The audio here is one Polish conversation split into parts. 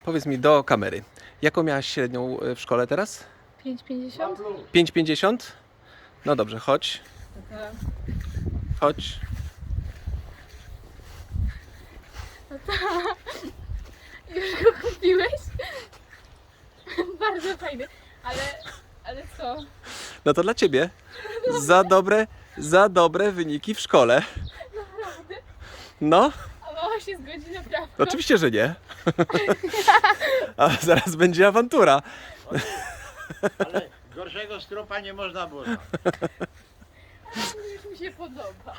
Powiedz mi do kamery, jaką miałaś średnią w szkole teraz? 5,50? 5,50? No dobrze, chodź. Chodź. Już go kupiłeś? Bardzo fajny, ale co? No to dla ciebie. Za dobre wyniki w szkole. Naprawdę? No, A mama się zgodzi naprawdę? oczywiście, że nie. A zaraz będzie awantura. Ale gorszego stropa nie można było znaleźć. Już mi się podoba.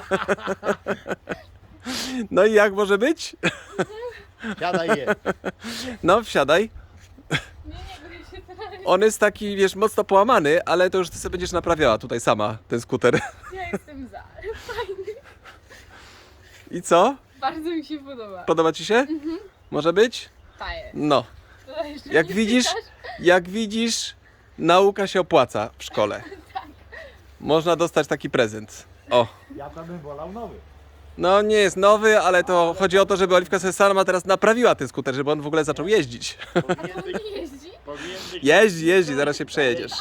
No i jak może być? Siadaj je. No, wsiadaj. Nie, bo się teraz... On jest taki, wiesz, mocno połamany, ale to już ty sobie będziesz naprawiała tutaj sama, ten skuter. Ja jestem za. Fajny. I co? Bardzo mi się podoba. Podoba ci się? Może być? Fajer. No. To jeszcze Jak nie widzisz, pytasz? jak widzisz, nauka się opłaca w szkole. Można dostać taki prezent. O. Ja to bym wolał nowy. No nie jest nowy, ale to chodzi o to, żeby Oliwka sobie sama teraz naprawiła ten skuter, żeby on w ogóle zaczął jeździć. Powinien być, Nie jeździ? Jeździ, zaraz się przejedziesz.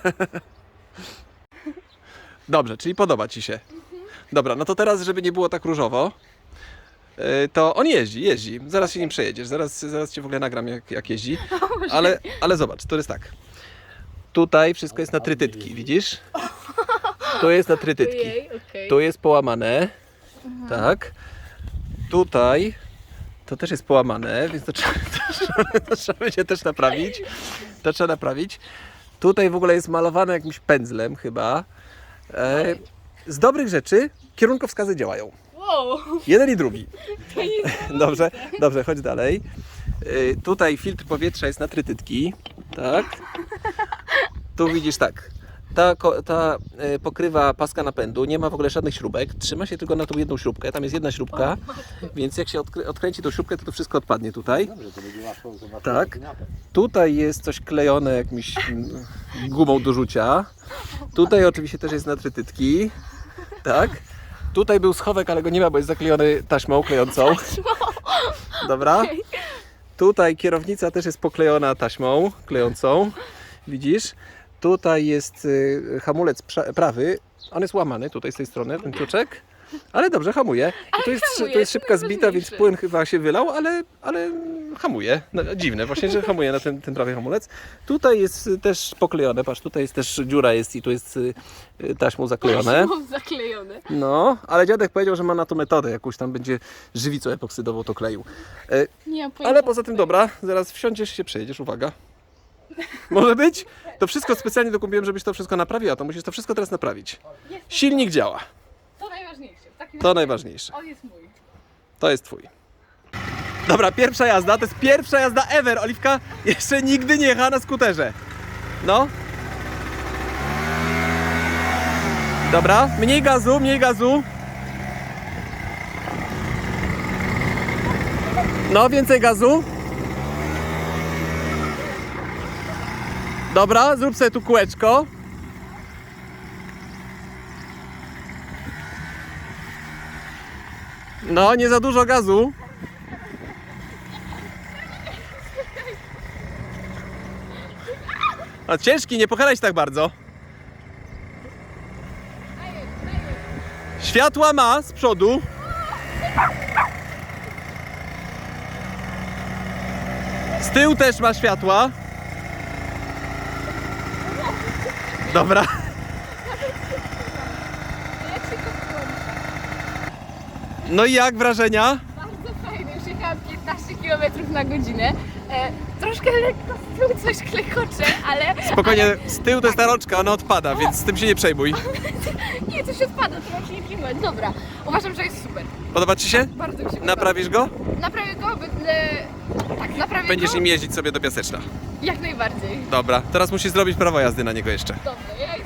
Dobrze, czyli podoba ci się. Dobra, no to teraz, żeby nie było tak różowo, to on jeździ. Zaraz się nim przejedziesz, zaraz cię w ogóle nagram jak jeździ. Ale zobacz, to jest tak. Tutaj wszystko jest na trytytki, widzisz? Tu jest na trytytki. Ojej, okej. Tu jest połamane. Tak. Tutaj to też jest połamane, więc to trzeba będzie też naprawić. To trzeba naprawić. Tutaj w ogóle jest malowane jakimś pędzlem chyba. Z dobrych rzeczy kierunkowskazy działają. Wow, Jeden i drugi. to jest... Dobrze, chodź dalej. Tutaj filtr powietrza jest na trytytki. Tak. Tu widzisz tak. Ta pokrywa paska napędu, nie ma w ogóle żadnych śrubek, trzyma się tylko na tą jedną śrubkę, tam jest jedna śrubka, więc jak się odkręci tą śrubkę, to wszystko odpadnie tutaj. Dobrze, to będzie łatwo zobaczyć. Tak. Tutaj jest coś klejone jakimś gumą do rzucia. Tutaj oczywiście też jest na trytytki. Tak. Tutaj był schowek, ale go nie ma, bo jest zaklejony taśmą klejącą. Dobra. Tutaj kierownica też jest poklejona taśmą klejącą. Widzisz? Tutaj jest hamulec prawy. On jest łamany tutaj z tej strony, ten kluczek. Ale dobrze, hamuje. I tu jest szybka zbita, więc płyn chyba się wylał, ale hamuje. No, dziwne właśnie, że hamuje na ten prawy hamulec. Tutaj jest też poklejone, patrz, tutaj jest też dziura jest i tu jest taśmą zaklejone. Mam zaklejone. No, ale dziadek powiedział, że ma na to metodę, jakąś tam będzie żywicą epoksydową to kleił. Nie mam pojęcia. Ale poza tym dobra, zaraz wsiądziesz się przejedziesz, uwaga. Może być? To wszystko specjalnie dokupiłem, żebyś to wszystko naprawiła, to musisz to wszystko teraz naprawić. Silnik działa, To najważniejsze. W takim to razie najważniejsze. On jest mój. To jest twój. Dobra, pierwsza jazda, to jest pierwsza jazda ever. Oliwka jeszcze nigdy nie jechała na skuterze. No. Dobra, mniej gazu, mniej gazu. No, więcej gazu. Dobra, zrób sobie tu kółeczko. No, nie za dużo gazu. A ciężki, nie pochylaj się tak bardzo. Światła ma z przodu. Z tyłu też ma światła. Dobra. Jak się to włącza? No i jak wrażenia? Bardzo fajny. Już jechałam 15 km na godzinę. Troszkę lekko z tyłu coś klekocze, ale... Spokojnie, z tyłu to jest ta rączka, ona odpada, więc z tym się nie przejmuj. Nie, coś odpada, to mam się nie przyjmować. Dobra, uważam, że jest super. Podoba ci się? Bardzo mi się podoba. Naprawisz go? Naprawię go, będę... Tak, naprawię Będziesz go. nim jeździć sobie do Piaseczna. Jak najbardziej. Dobra, teraz musisz zrobić prawo jazdy na niego jeszcze. Dobrze, ja